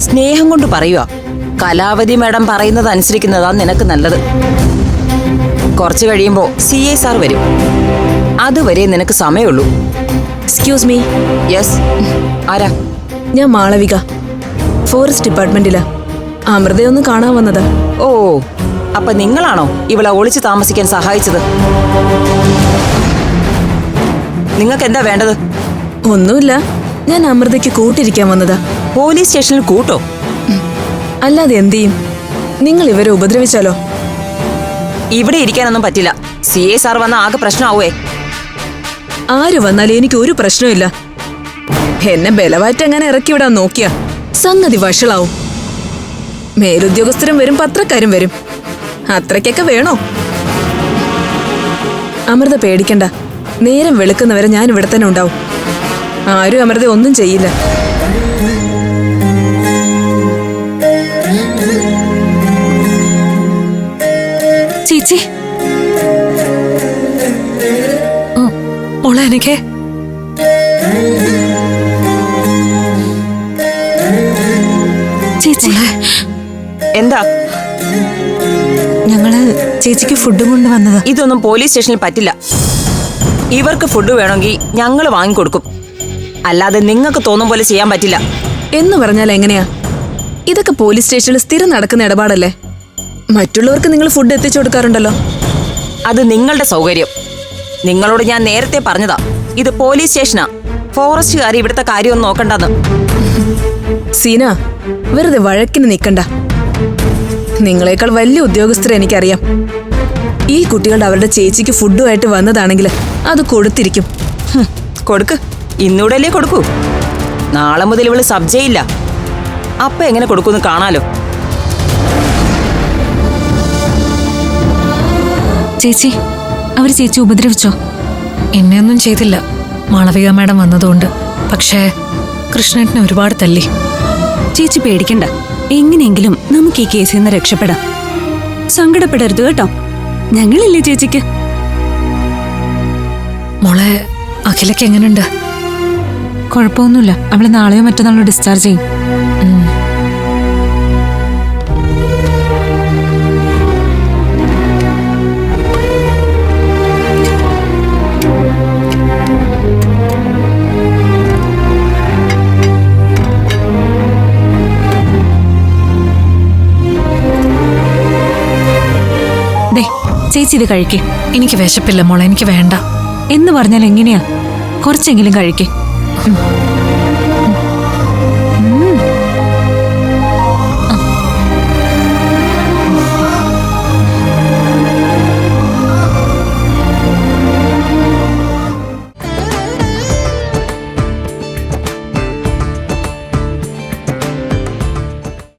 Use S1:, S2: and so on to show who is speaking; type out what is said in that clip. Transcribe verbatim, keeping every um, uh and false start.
S1: സ്നേഹം കൊണ്ട് പറയുക. കലാവതി മാഡം പറയുന്നത് അനുസരിക്കുന്നതാ നിനക്ക് നല്ലത്. കുറച്ചു കഴിയുമ്പോ സി ഐ സാർ വരും. അതുവരെ നിനക്ക് സമയമുള്ളൂ.
S2: Excuse me.
S1: യെസ്. ആരാ?
S2: ഞാൻ മാളവിക, ഫോറസ്റ്റ് ഡിപ്പാർട്ട്മെന്റിലാ. അമൃതയൊന്ന് കാണാൻ വന്നതാ.
S1: ഓ, അപ്പൊ നിങ്ങളാണോ ഇവളെ ഒളിച്ചു താമസിക്കാൻ സഹായിച്ചത്? നിങ്ങൾക്ക് എന്താ വേണ്ടത്?
S2: ഒന്നുമില്ല, ഞാൻ അമൃതയ്ക്ക് കൂട്ടിരിക്കാൻ വന്നതാ.
S1: പോലീസ് സ്റ്റേഷനിൽ കൂട്ടോ?
S2: അല്ലാതെ എന്ത് ചെയ്യും? നിങ്ങൾ ഇവരെ ഉപദ്രവിച്ചാലോ?
S1: ഇവിടെ ഇരിക്കാനൊന്നും പറ്റില്ല. സി ഐ സാർ വന്ന ആകെ പ്രശ്നമാവേ.
S2: ആര് വന്നാലും എനിക്ക് ഒരു പ്രശ്നമില്ല. എന്നെ ബലവാറ്റ് അങ്ങനെ ഇറക്കി വിടാൻ നോക്കിയ സംഗതി വഷളാവും. മേലുദ്യോഗസ്ഥരും വരും, പത്രക്കാരും വരും. അത്രയ്ക്കൊക്കെ വേണോ? അമൃത പേടിക്കണ്ട. നേരം വെളുക്കുന്നവരെ ഞാൻ ഇവിടെ തന്നെ ഉണ്ടാവും. ആരും അമൃത ഒന്നും ചെയ്യില്ല.
S3: ചേച്ചി, മോളെ എനിക്ക് ചേച്ചി
S1: എന്താ?
S3: ഞങ്ങള് ചേച്ചിക്ക് ഫുഡ് കൊണ്ടുവന്നതാ.
S1: ഇതൊന്നും പോലീസ് സ്റ്റേഷനിൽ പറ്റില്ല. ഇവർക്ക് ഫുഡ് വേണമെങ്കിൽ ഞങ്ങൾ വാങ്ങിക്കൊടുക്കും. അല്ലാതെ നിങ്ങൾക്ക് തോന്നും പോലെ ചെയ്യാൻ പറ്റില്ല.
S2: എന്ന് പറഞ്ഞാൽ എങ്ങനെയാ? ഇതൊക്കെ പോലീസ് സ്റ്റേഷനിൽ സ്ഥിരം നടക്കുന്ന ഇടപാടല്ലേ? മറ്റുള്ളവർക്ക് നിങ്ങൾ ഫുഡ് എത്തിച്ചു കൊടുക്കാറുണ്ടല്ലോ.
S1: അത് നിങ്ങളുടെ സൗകര്യം. നിങ്ങളോട് ഞാൻ നേരത്തെ പറഞ്ഞതാ, ഇത് പോലീസ് സ്റ്റേഷനാ. ഫോറസ്റ്റുകാർ ഇവിടുത്തെ കാര്യമൊന്നും നോക്കണ്ടെന്ന്.
S2: സീന, വെറുതെ വഴക്കിന് നിൽക്കണ്ട. നിങ്ങളെക്കാൾ വലിയ ഉദ്യോഗസ്ഥരെ എനിക്കറിയാം. ഈ കുട്ടികളുടെ അവരുടെ ചേച്ചിക്ക് ഫുഡുമായിട്ട് വന്നതാണെങ്കിൽ അത് കൊടുത്തിരിക്കും.
S1: കൊടുക്ക്, ഇന്നൂടല്ലേ കൊടുക്കൂ. നാളെ മുതൽ ഇവള് സബ്ജയില്ല. അപ്പൊ എങ്ങനെ കൊടുക്കുമെന്ന് കാണാലോ.
S3: ചേച്ചി, അവര് ചേച്ചി ഉപദ്രവിച്ചോ? എന്നെയൊന്നും ചെയ്തില്ല, മാളവിക മാഡം വന്നതുകൊണ്ട്. പക്ഷേ കൃഷ്ണേട്ടനെ ഒരുപാട് തല്ലി.
S4: ചേച്ചി പേടിക്കണ്ട. എങ്ങനെയെങ്കിലും നമുക്ക് ഈ കേസിൽ നിന്ന് രക്ഷപ്പെടാം. സങ്കടപ്പെടരുത് കേട്ടോ. ഞങ്ങളില്ലേ ചേച്ചിക്ക്.
S3: മോളെ, അഖിലക്ക് എങ്ങനെയുണ്ട്?
S4: കുഴപ്പമൊന്നുമില്ല. അവള് നാളെയോ മറ്റന്നാളോ ഡിസ്ചാർജ് ചെയ്യും. ചേച്ചി ഇത് കഴിക്കേ.
S3: എനിക്ക് വിശപ്പില്ല മോളെ, എനിക്ക് വേണ്ട.
S4: എന്ന് പറഞ്ഞാൽ എങ്ങനെയാ? കുറച്ചെങ്കിലും കഴിക്കേ.